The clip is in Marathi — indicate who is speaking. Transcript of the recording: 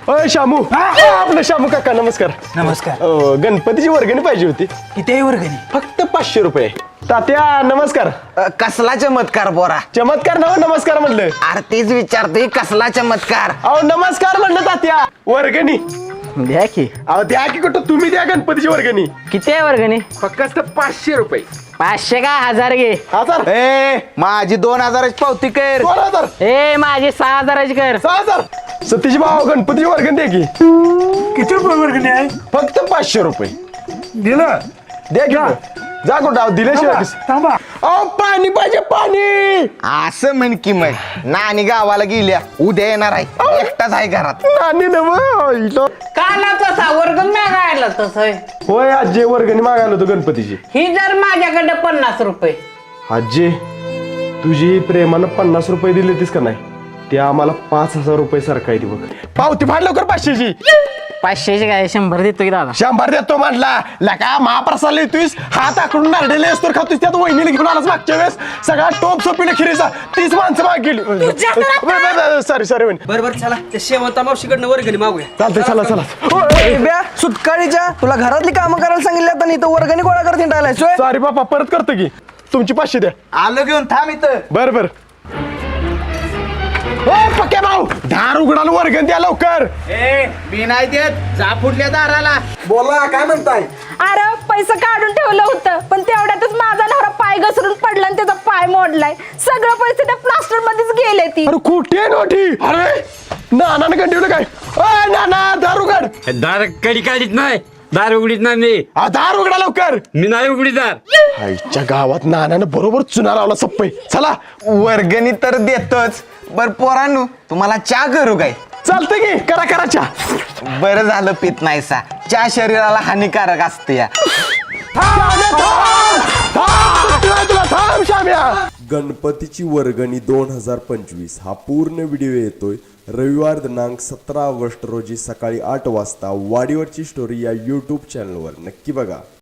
Speaker 1: अय शामू आपलं शामू काका नमस्कार.
Speaker 2: नमस्कार.
Speaker 1: गणपतीची वर्गणी पाहिजे होती.
Speaker 2: किती वर्गणी?
Speaker 1: फक्त 500 रुपये. तात्या नमस्कार.
Speaker 3: कसला चमत्कार बोरा?
Speaker 1: चमत्कार नव नमस्कार म्हणलं.
Speaker 3: अरे तेच विचारतोय कसला चमत्कार?
Speaker 1: अहो नमस्कार म्हणलं तात्या. वर्गणी
Speaker 2: द्या की.
Speaker 1: अहो द्या की कुठं तुम्ही द्या गणपतीची वर्गणी.
Speaker 2: किती आहे वर्गणी?
Speaker 1: फक्त 500 रुपये.
Speaker 2: 500 का 1000 घे.
Speaker 1: 1000
Speaker 3: ए माझी 2000ची पावती कर.
Speaker 1: 2000
Speaker 2: ए माझी 6000ची कर.
Speaker 1: 6000 सतीश भाऊ गणपतीची वर्गणी द्या की.
Speaker 4: किती रुपये वर्गणी आहे?
Speaker 1: फक्त 500 रुपये
Speaker 4: दिलं.
Speaker 1: द्या की. जा कुठं अहो दिल्याशिवाय कसं?
Speaker 4: थांबा.
Speaker 1: अहो पाणी पाहिजे पाणी.
Speaker 3: असं म्हण की मग नानी गावाला गेल्या उद्या येणार आहे एकटाच आहे घरात.
Speaker 1: नानी नव
Speaker 5: काला तसा वर्ग मागायला तसं
Speaker 1: होय आजी वर्गणी मागायला होतो गणपतीची.
Speaker 5: ही जर माझ्याकडे 50 रुपये
Speaker 1: आजी तुझी प्रेमानं 50 रुपये दिले तीस का नाही ते आम्हाला 5000 रुपये सरकाय दे बघ. पावती फाड लवकर 500ची.
Speaker 2: 500ची काय 100 देतो की दादा.
Speaker 1: 100 देतो म्हटला लका महाप्रसाद येतोयस हात आकडून नारडेले असतो खातोस त्यात वहिनीला घेऊन आलास मागच्या वेळेस सगळा टोप सोपीला खिरीचा 30 माणसं माग गेली. सॉरी वहिनी.
Speaker 6: बरोबर चला त्या शेवंता मावशीकडनं वर्गणी मागूया.
Speaker 1: चालतंय चला चला.
Speaker 4: सुटकाळीच्या तुला घरातली कामं करायला सांगितलं आता नाही तर वर्गणी गोळा करत हिंडायलाय सोय.
Speaker 1: सॉरी बापा परत करतो की तुमची 500 द्या.
Speaker 3: आलो घेऊन थांब इथं.
Speaker 1: बर पक्या भाऊ दार उघडाला वर्गण द्या लवकर.
Speaker 3: मी नाही देत जा फुटल्या दाराला.
Speaker 4: बोला काय म्हणताय?
Speaker 7: अरे पैसे काढून ठेवलं होतं पण तेवढ्यातच माझा नवरा पाय घसरून पडला आणि त्याचा पाय मोडलाय. सगळं पैसे त्या प्लास्टर मध्येच गेले ती.
Speaker 1: अरे कुठे नोटी? अरे नानानं कंटिन्यू काय नाना दार उघड.
Speaker 8: दार कडी काढीत नाही दार उघडीत नाही मी.
Speaker 1: दार उघडा लवकर.
Speaker 8: मी नाही उघडीत दार.
Speaker 1: आईच्या गावात नानानं बरोबर चुना लावला सप्पई. चला
Speaker 3: वर्गणी तर देतोच बर पोरांनो तुम्हाला चहा करू काय?
Speaker 1: चालतंय की करा चहा.
Speaker 3: बरं झालं पित नाहीसा चहा शरीराला हानिकारक असते या.
Speaker 1: थांब शाम्या.
Speaker 9: गणपतीची वर्गणी 2025 हा पूर्ण व्हिडिओ येतोय रविवार दिनांक 17 ऑगस्ट रोजी सकाळी 8 वाजता वाडीवरची स्टोरी या यूट्यूब चॅनलवर. नक्की बघा.